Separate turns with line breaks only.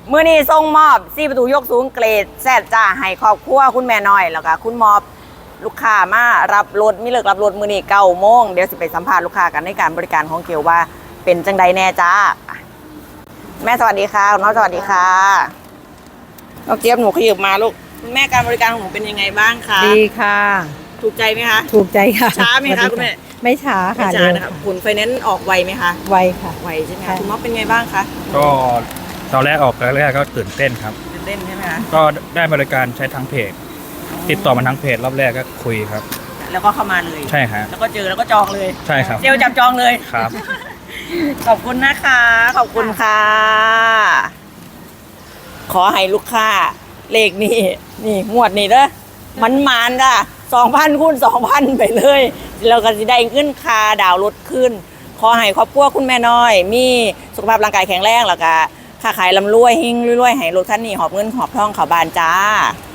มื้อนี้ส่งมอบ4ประตูยกสูงเกรดแซดจ้าให้ครอบครัวคุณแม่น้อยแล้วก็คุณมอบลูกค้ามารับรถมีเลิกรับรถมื้อนี้9 โมงเดี๋ยวสิไปสัมภาษณ์ลูกค้ากันในการบริการของเกียวว่าเป็นจังใดแน่จ้าแม่สวัสดีค่ะน้องสวัสดีค่ะน้องเจี๊ยบหนูขยับมาลูกคุณแม่การบริการของหนูเป็นยังไงบ้างคะ
ดีค่ะ
ถูกใจไหมคะ
ถูกใจค่ะ
ช้าไหมคะคุณแม่
ไม่ช้าค่ะ
ไม่ช้านะคะผลไฟแนนซ์ออกไวไหมคะ
ไวค่ะ
ไวใช่ไหมคะคุณม็อบเป็นไงบ้างคะ
ก็ตอนแรกออกแรกก็ตื่นเต้นครับ
ตื่นเต้นใช่ไหมคะ
ก็ได้บริการใช้ทั้งเพจติดต่อมาทั้งเพจรอบแรกก็คุยครับ
แล้วก็เข้ามาเลย
ใช่ครับ
แล้วก็เจอแล้วก็จองเลย
ใช่ครับ
เซลล์จับจองเลย
ครับ
ขอบคุณนะคะขอบคุณค่ะขอให้ลูกค้าเลขนี่งวดนี่เด้อมันจ้ะ2,000 คูณ 2,000 ไปเลยเราก็จะได้ขึ้นคาดาวรถขึ้นขอให้ครอบครัวคุณแม่น้อยมีสุขภาพร่างกายแข็งแรงแล้วก็ค้าขายร่ำรวยหิ่งรวยๆให้รถคันนี้หอบเงินหอบทองเข้าบ้านจ้า